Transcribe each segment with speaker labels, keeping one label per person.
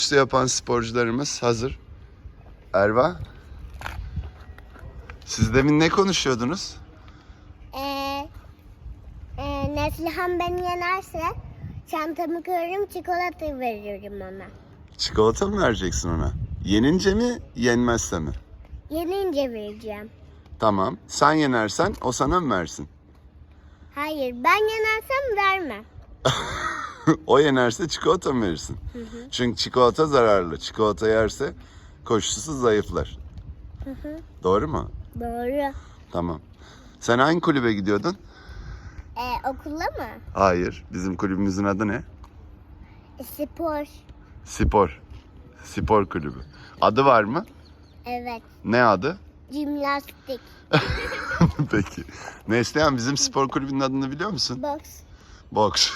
Speaker 1: yapan sporcularımız hazır. Erva, siz demin ne konuşuyordunuz?
Speaker 2: Neslihan beni yenerse çantamı kırarım, çikolata veririm ona.
Speaker 1: Çikolata mı vereceksin ona? Yenince mi, yenmezse mi?
Speaker 2: Yenince vereceğim.
Speaker 1: Tamam. Sen yenersen o sana mı versin?
Speaker 2: Hayır, ben yenersem vermem.
Speaker 1: O yenerse çikolata mı verirsin?
Speaker 2: Hı.
Speaker 1: Çünkü çikolata zararlı. Çikolata yerse koşusu zayıflar. Doğru mu?
Speaker 2: Doğru.
Speaker 1: Tamam. Sen hangi kulübe gidiyordun?
Speaker 2: Okula mı?
Speaker 1: Hayır. Bizim kulübümüzün adı ne?
Speaker 2: Spor.
Speaker 1: Spor. Spor kulübü. Adı var mı?
Speaker 2: Evet.
Speaker 1: Ne adı?
Speaker 2: Jimnastik.
Speaker 1: Peki. Neslihan, bizim spor kulübünün adını biliyor musun?
Speaker 2: Boks.
Speaker 1: Boks.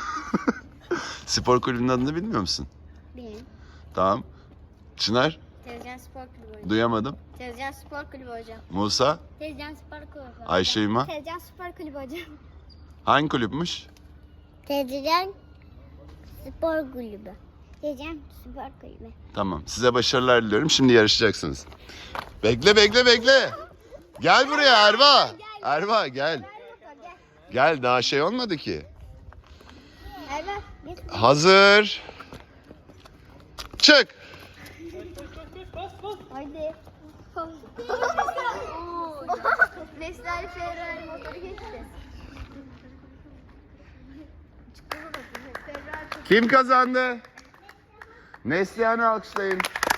Speaker 1: Spor kulübünün adını bilmiyor musun?
Speaker 2: Benim.
Speaker 1: Tamam. Çınar?
Speaker 2: Tezcan Spor Kulübü hocam.
Speaker 1: Duyamadım.
Speaker 2: Tezcan Spor Kulübü hocam.
Speaker 1: Musa?
Speaker 2: Tezcan Spor Kulübü hocam.
Speaker 1: Ayşe Yuma?
Speaker 2: Tezcan Spor Kulübü hocam.
Speaker 1: Hangi kulüpmüş?
Speaker 2: Tezcan Spor Kulübü. Tezcan Spor Kulübü.
Speaker 1: Tamam. Size başarılar diliyorum. Şimdi yarışacaksınız. Bekle. Gel buraya Erva. Erva gel. Gel, daha şey olmadı ki.
Speaker 2: Evet.
Speaker 1: Hazır. Çık.
Speaker 2: Haydi. Neslihan Ferrari motoru geçti.
Speaker 1: Kim kazandı? Neslihan'ı alkışlayın.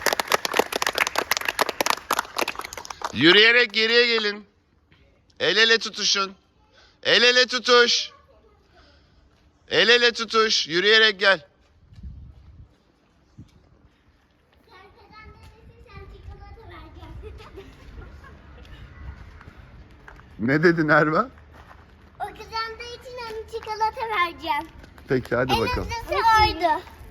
Speaker 1: Yürüyerek geriye gelin. El ele tutuşun. El ele tutuş. El ele tutuş. Yürüyerek gel. Ne dedin Erva?
Speaker 2: O kazandığı için ona çikolata vereceğim.
Speaker 1: Peki hadi bakalım.
Speaker 2: En hızlısı oydu.